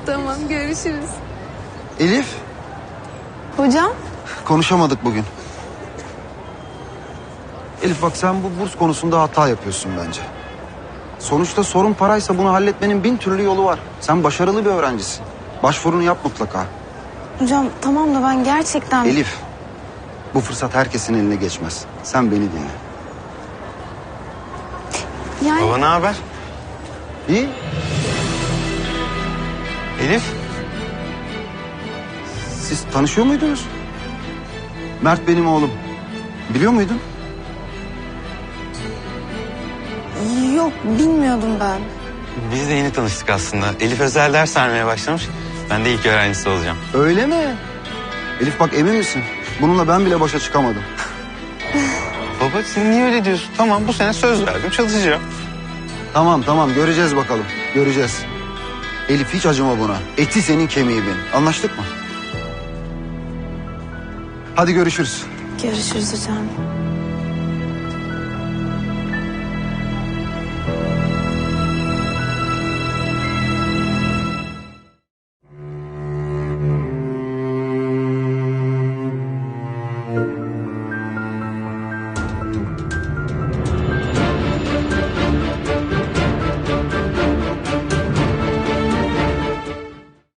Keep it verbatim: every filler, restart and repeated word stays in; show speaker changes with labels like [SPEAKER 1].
[SPEAKER 1] Tamam, görüşürüz.
[SPEAKER 2] Elif,
[SPEAKER 1] Hocam?
[SPEAKER 2] konuşamadık bugün. Elif bak, sen bu burs konusunda hata yapıyorsun bence. Sonuçta sorun paraysa bunu halletmenin bin türlü yolu var. Sen başarılı bir öğrencisin. Başvurunu yap mutlaka.
[SPEAKER 1] Hocam tamam da ben gerçekten...
[SPEAKER 2] Elif, bu fırsat herkesin eline geçmez. Sen beni dinle.
[SPEAKER 1] Yani...
[SPEAKER 3] Baba ne haber?
[SPEAKER 2] İyi.
[SPEAKER 3] Elif?
[SPEAKER 2] Siz tanışıyor muydunuz? Mert benim oğlum. Biliyor muydun?
[SPEAKER 1] Yok, bilmiyordum ben.
[SPEAKER 3] Biz de yeni tanıştık aslında. Elif özel ders vermeye başlamış. Ben de ilk öğrencisi olacağım.
[SPEAKER 2] Öyle mi? Elif bak, emin misin? Bununla ben bile başa çıkamadım.
[SPEAKER 3] Baba sen niye öyle diyorsun? Tamam bu sene söz verdim çalışacağım.
[SPEAKER 2] Tamam tamam, göreceğiz bakalım. Göreceğiz. Elif hiç acıma buna. Eti senin, kemiği benim. Anlaştık mı? Hadi görüşürüz.
[SPEAKER 1] Görüşürüz hocam.